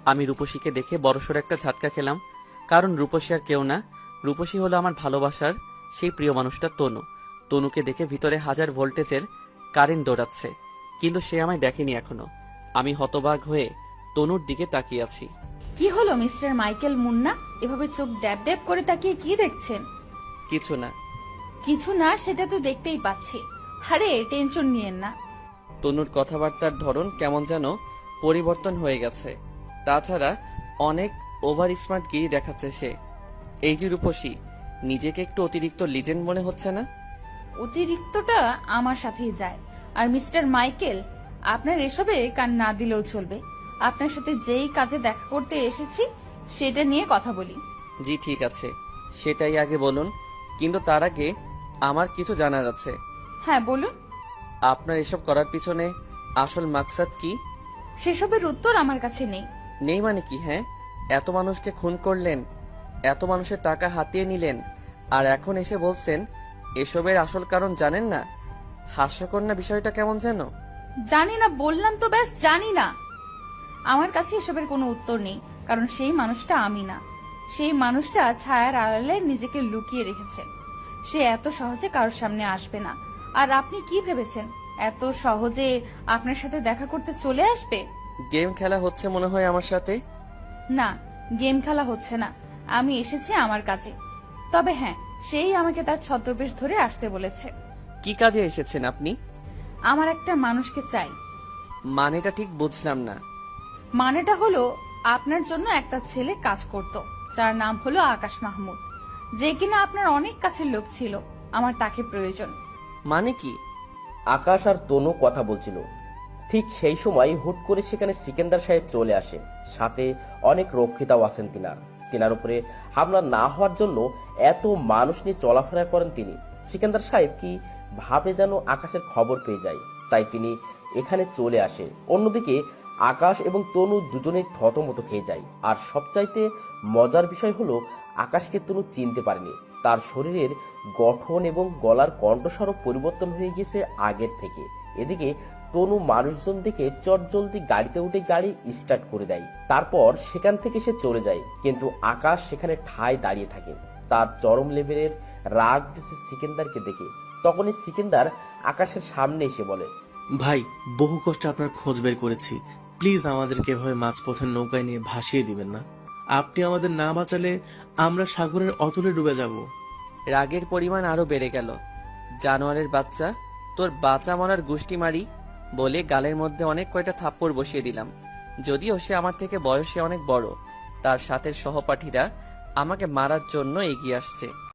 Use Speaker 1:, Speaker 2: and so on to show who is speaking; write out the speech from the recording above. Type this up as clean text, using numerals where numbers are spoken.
Speaker 1: আমি রূপসীকে দেখে বড়সড় একটা ঝাটকা খেলাম, কারণ রূপসী আর কেউ না, রূপসী হলো আমার ভালোবাসার সেই প্রিয় মানুষটা তনু। তনুকে দেখে ভিতরে হাজার ভোল্টেজের কারেন্ট দৌড়াচ্ছে, কিন্তু সে আমায় দেখেনি এখনো। আমি হতবাক হয়ে তনুর দিকে তাকিয়ে আছি।
Speaker 2: কি হলো মিস্টার মাইকেল মুন্না, এভাবে চোখ ড্যাব ড্যাব করে তাকিয়ে কি দেখছেন?
Speaker 1: কিছু না।
Speaker 2: কিছু না সেটা তো দেখতেই পাচ্ছি। আরে টেনশন নিয়েন না।
Speaker 1: তনুর কথাবার্তার ধরন কেমন যেন পরিবর্তন হয়ে গেছে। তাছাড়া অনেক ওভার স্মার্ট গিরি দেখাচ্ছে সে। এই যে রূপসী, নিজেকে একটু অতিরিক্ত লিজেন্ড মনে হচ্ছে না?
Speaker 2: অতিরিক্তটা আমার সাথেই যায়। আর মিস্টার মাইকেল, আপনার এসবে কান না দিলেও চলবে। আপনার সাথে যেই কাজে দেখা করতে এসেছি সেটা নিয়ে কথা বলি।
Speaker 1: জি ঠিক আছে, সেটাই আগে বলুন, কিন্তু তার আগে আমার কিছু জানার আছে।
Speaker 2: হ্যাঁ বলুন।
Speaker 1: আপনার এসব করার পিছনে আসল মাকসাদ কি?
Speaker 2: সেসবের উত্তর আমার কাছে নেই।
Speaker 1: নেই মানে কি? হ্যাঁ, এত মানুষকে খুন করলেন, এত মানুষের টাকা হাতিয়ে নিলেন, আর এখন এসে বলছেন এসবের আসল কারণ জানেন না? হাস্যকর না বিষয়টা কেমন যেন?
Speaker 2: জানি না বললাম তো, ব্যাস জানি না। আমার কাছে এসবের কোনো উত্তর নেই, কারণ সেই মানুষটা আমি না। সেই মানুষটা ছায়ার আড়ালে নিজেকে লুকিয়ে রেখেছে। সে এত সহজে কারোর সামনে আসবে না। আর আপনি কি ভেবেছেন এত সহজে আপনার সাথে দেখা করতে চলে আসবে?
Speaker 1: গেম খেলা হচ্ছে মনে হয় আমার সাথে।
Speaker 2: না, গেম খেলা হচ্ছে না। আমি এসেছি আমার কাজে। তবে হ্যাঁ, সেই আমাকে তার ছদ্মবেশ ধরে আসতে বলেছে।
Speaker 1: কি কাজে এসেছেন আপনি?
Speaker 2: আমার একটা মানুষকে চাই।
Speaker 1: মানেটা ঠিক বুঝলাম না।
Speaker 2: মানেটা হলো, আপনার জন্য একটা ছেলে কাজ করত, যার নাম হলো আকাশ মাহমুদ, যে কিনা আপনার অনেক কাছের লোক ছিল। আমার তাকে প্রয়োজন।
Speaker 1: মানে কি?
Speaker 3: আকাশ আর তনু কথা বলছিল। ঠিক সেই সময় হুট করে সেখানে সিকেন্দার সাহেব চলে আসে। সাথে অনেক রক্ষিতাও আছেন তিনার উপরে হামলা না হওয়ার জন্য এত মানুষ নিয়ে চলাফেরা করেন তিনি। সিকেন্দার সাহেব কি ভাবে যেন আকাশের খবর পেয়ে যায়, তাই তিনি এখানে চলে আসে। অন্যদিকে আকাশ এবং তনু দুজনেই থতমত খেয়ে যায়। আর সবচাইতে মজার বিষয় হলো, আকাশকে তনু চিনতে পারেনি। তার শরীরের গঠন এবং গলার কণ্ঠস্বরও পরিবর্তন হয়ে গেছে আগের থেকে। এদিকে তনু মানুষজন দেখে চটজলদি গাড়িতে উঠে গাড়ি স্টার্ট করে দেয়। তারপর সেখান থেকে সে চলে যায়, কিন্তু আকাশ সেখানে ঠায় দাঁড়িয়ে থাকে। তার চরম লেভেলের রাগ উঠেছে সিকেন্দারকে দেখে। তখনই সিকেন্দার আকাশের সামনে এসে বলে,
Speaker 4: ভাই, বহু কষ্টে আপনার খোঁজ বের করেছি। প্লিজ আমাদেরকে এভাবে মাঝপথের নৌকায় নিয়ে ভাসিয়ে দিবেন না। আপনি আমাদের না বাঁচালে আমরা সাগরের অতলে ডুবে যাব।
Speaker 1: রাগের পরিমাণ আরো বেড়ে গেল। জানোয়ারের বাচ্চা, তোর বাঁচা মরার গুষ্টি মারি বলে গালের মধ্যে অনেক কয়টা থাপ্পড় বসিয়ে দিলাম। যদিও সে আমার থেকে বয়সে অনেক বড়, তার সাথে সহপাঠীরা আমাকে মারার জন্য এগিয়ে আসছে।